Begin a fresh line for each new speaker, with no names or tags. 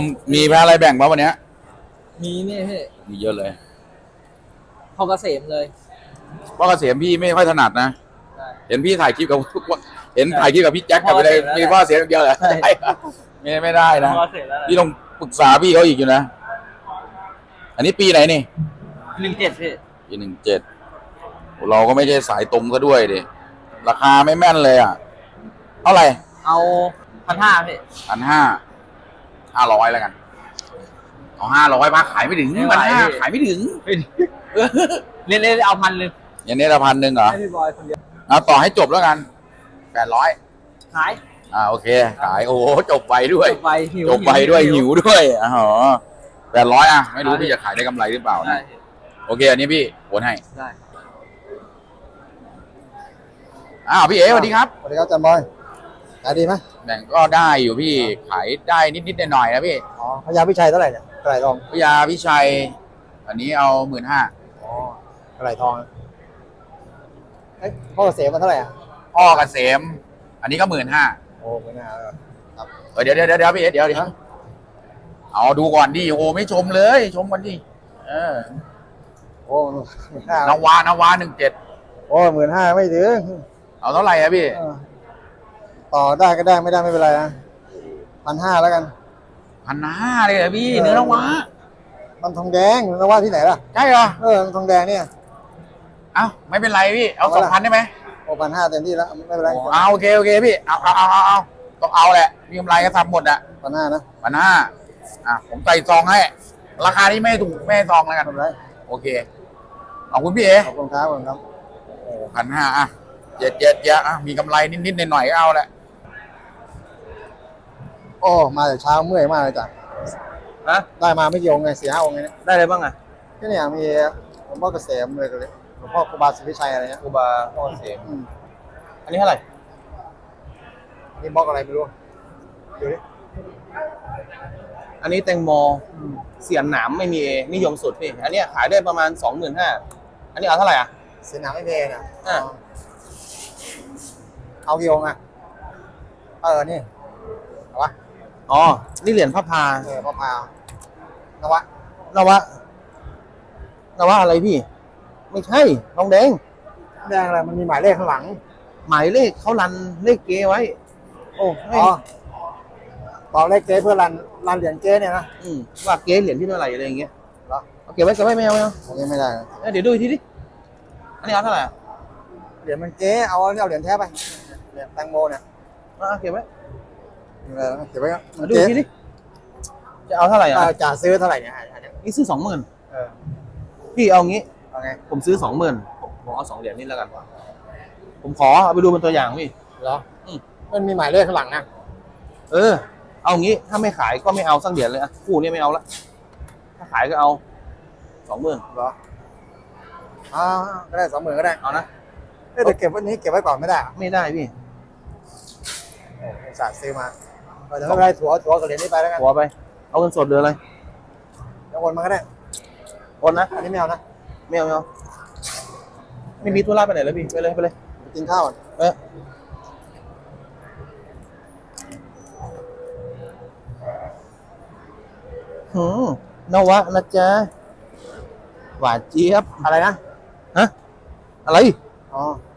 มีแพ้อะไรแบ่งป่ะวันเนี้ย
มีนี่พี่
มีเยอะเลย
พอเกษมเลย
เพราะเกษมพี่ไม่ค่อยถนัดนะเห็นพี่ถ่ายคลิปกับเห็นถ่ายคลิปกับพี่แจ็คกับอะไรมีพ่อเสียเดียวเหรอไม่ได้นะพี่ต้องปรึกษาพี่เขาอีกอยู่นะอันนี้ปีไหนนี่
17พี่
ปี17เราก็ไม่ใช่สายตรงซะด้วยดิราคาไม่แม่นเลยอ่ะเท่าไหร่
เอา1,500พี่
500แล้วกันเอา500มาขายไม่ถึง1,500ขายไม่ถึง
เล่นเอา1,000เลย
อย่างนี้ละ1,000เหรอ
ให้พี่บอยคนเดียว
เอาต่อให้จบแล้วกัน800
ขาย
โอเคขายโอ้จบไปด้วย
จบไปหิ
วด้วยอ๋อ800ไม่รู้พี่จะขายได้กำไรหรือเปล่านะโอเคอันนี้พี่โอนให้
ได้
พี่เอ๋สวัสดีครับ
สวัสดีครับจันบอยขายดีไหม
แบ่งก็ได้อยู่พี่ขายได้นิดหน่อยนะพี่
พญาพิชัยเท่าไหร่เนี่ยกระไรทอง
พญาพิชัยอันนี้เอา
กระไรทองพ่อเกษมมาเท่าไหร่
พ่อเกษมอันนี้ก็15,000
โอ้15,000ครับ
เดี๋ยวพี่เอ๋เดี๋ยวเอาดูก่อนดิโอ้ไม่ชมเลยชมก่อนดิ
โอ้
นาวา17
โอ้15,000ไม่ถึง
เอาเท่าไหร่พี่
ต่อได้ก็ได้ไม่ได้ไม่เป็นไรนะ1,500แล้วกัน
1,500เลยเหรอพี่เนื้อนาวา
มันทองแดงนาวาที่ไหนล่ะ
ใช่เหรอ
มันทองแดงเนี่ย
ไม่เป็นไรพี่เอา2,000ได้ไหม
โอ้1,500เต็มที่แล้วไม่เป็นไร
โอเคพี่เอาต้องเอาแหละมีกำไรก็ทำหมด
1,500นะ
1,500ผมใส่ซองให้ราคาที่ไม่ถูกไม่ซองแล้วกันโอเคขอบคุณพี่เอ๋
ขอบคุณครับ
1,500เจ็ดมีกำไรนิดหน่อยก็เอาแหละ
โอ้มาแต่เช้าเมื่อยมากเลยจ้ะได้มาไม่กี่องค์ไง4-5องค์ไง
ได้อะไรบ้าง
ก็เนี่ยมีหลวงพ่อเกษมเลยหลวงพ่อครูบาศรีวิชัยอะไรเงี้ย
ครูบาพ่อเกษมอันนี้เท่าไหร่
นี่บล็อกอะไรไม่รู้ดูดิ
อันนี้แตงโมเสียนหนามไม่มีนิยมสุดพี่อันนี้ขายได้ประมาณ 25,000อันนี้เอาเท่าไหร่
เสียนหนามไม่มีนะเอากี่องค์นี่เอาวะ
นี่เหรียญพระพา
พระพานว
ะอะไรพี่ไม่ใช่ทองแดง
อะไรมันมีหมายเลขข้างหลัง
หมายเลขเขารันเลขเก๊ไว้
ต่อเลขเก๊เพื่อรันเหรียญเก๊เนี่ยนะ
ว่าเก๊เหรียญที่เท่าไหร่อะไรอย่างเงี้ยเอาเก็บไว้ไม่เอา
ไม่ได้
เดี๋ยวดูอีกทีดิอันนี้เอาเท่าไหร่
เหรียญมันเก๊เอาเหรียญแท้ไปเหรียญแตงโมเนี่ย
เก็บไว้
เก็บไว้
ดูอีกทีดิจะเอาเท่าไหร่
จะซื้อเท่าไหร่เนี่ย
นี่ซื้อ 20,000พี่เอางี้ผมซื้อ 20,000ผมเอา2เหรียญนี่แล้วกันผมขอเอาไปดูเป็นตัวอย่างพี่
เหรอมันมีหมายเลขข้างหลังนะ
เอางี้ถ้าไม่ขายก็ไม่เอาสักเหรียญเลยคู่นี้ไม่เอาละถ้าขายก็เอา 20,000
เหรอก็ได้ 20,000ก็ได้
เอานะ
แต่เก็บวันนี้เก็บไว้ก่อนไม่ได้
ไม่ได้พี่
สาดซื้อมาเดี๋ยวไม่เป็นไรถั่วกับเหรียญนี้ไปแล้วกัน
ถั่วไปเอาเงินสดเดือนอะไร
แล้วโอนมาก็ได้
โอนนะ
อันนี้ไม่เอานะ
ไม่เอาไม่มีธุระไปไหนเลยพี่ไปเลย
ไปกินข้าว
นวะนะจ๊ะหวานเจี๊ยบ
อะไรนะ
อะไร